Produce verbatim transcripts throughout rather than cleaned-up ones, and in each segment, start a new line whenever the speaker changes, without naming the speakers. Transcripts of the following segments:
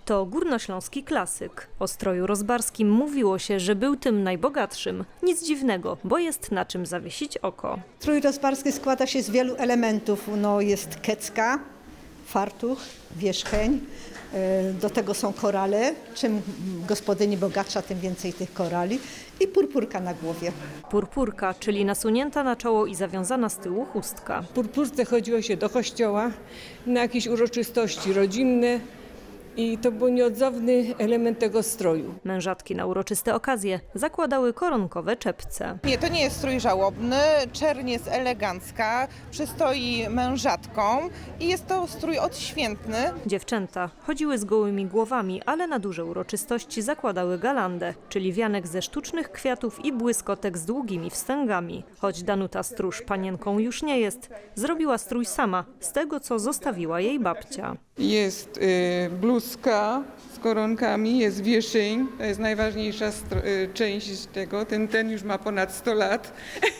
To górnośląski klasyk. O stroju rozbarskim mówiło się, że był tym najbogatszym. Nic dziwnego, bo jest na czym zawiesić oko.
Strój rozbarski składa się z wielu elementów. No, jest kecka, fartuch, wierzcheń. Do tego są korale. Czym gospodyni bogatsza, tym więcej tych korali. I purpurka na głowie.
Purpurka, czyli nasunięta na czoło i zawiązana z tyłu chustka.
W purpurce chodziło się do kościoła na jakieś uroczystości rodzinne. I to był nieodzowny element tego stroju.
Mężatki na uroczyste okazje zakładały koronkowe czepce.
Nie, to nie jest strój żałobny. Czerń jest elegancka, przystoi mężatkom i jest to strój odświętny.
Dziewczęta chodziły z gołymi głowami, ale na duże uroczystości zakładały galandę, czyli wianek ze sztucznych kwiatów i błyskotek z długimi wstęgami. Choć Danuta Stróż panienką już nie jest, zrobiła strój sama z tego, co zostawiła jej babcia.
Jest y, bluzka z koronkami, jest wieszeń, to jest najważniejsza y, część tego. Ten, ten już ma ponad sto lat,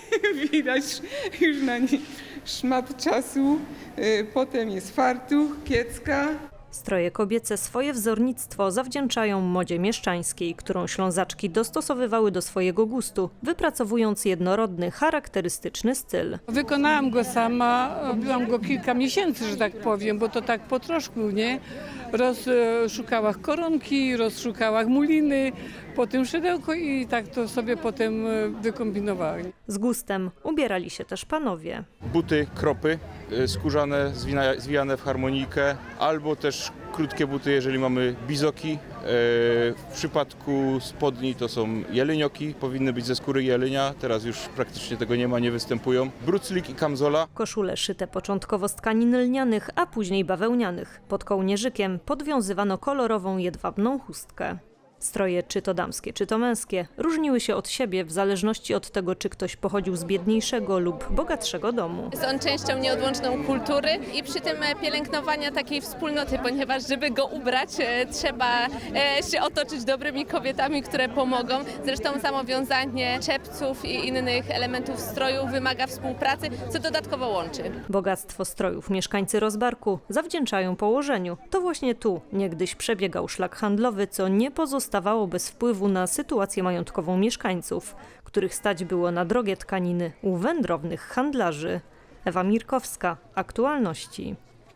widać już na nim szmat czasu. Y, potem jest fartuch, kiecka.
Stroje kobiece swoje wzornictwo zawdzięczają modzie mieszczańskiej, którą Ślązaczki dostosowywały do swojego gustu, wypracowując jednorodny, charakterystyczny styl.
Wykonałam go sama, robiłam go kilka miesięcy, że tak powiem, bo to tak po troszku, nie? Rozszukałam koronki, rozszukałam muliny, potem szydełko i tak to sobie potem wykombinowałam.
Z gustem ubierali się też panowie.
Buty, kropy skórzane, zwina- zwijane w harmonijkę, albo też krótkie buty, jeżeli mamy bizoki. W przypadku spodni to są jelonioki, powinny być ze skóry jelenia, teraz już praktycznie tego nie ma, nie występują. Bruclik i kamzola.
Koszule szyte początkowo z tkanin lnianych, a później bawełnianych. Pod kołnierzykiem podwiązywano kolorową jedwabną chustkę. Stroje, czy to damskie, czy to męskie, różniły się od siebie w zależności od tego, czy ktoś pochodził z biedniejszego lub bogatszego domu.
Jest on częścią nieodłączną kultury i przy tym pielęgnowania takiej wspólnoty, ponieważ żeby go ubrać, trzeba się otoczyć dobrymi kobietami, które pomogą. Zresztą samo wiązanie czepców i innych elementów stroju wymaga współpracy, co dodatkowo łączy.
Bogactwo strojów mieszkańcy Rozbarku zawdzięczają położeniu. To właśnie tu niegdyś przebiegał szlak handlowy, co nie pozostało Stawało bez wpływu na sytuację majątkową mieszkańców, których stać było na drogie tkaniny u wędrownych handlarzy. Ewa Mirkowska, Aktualności.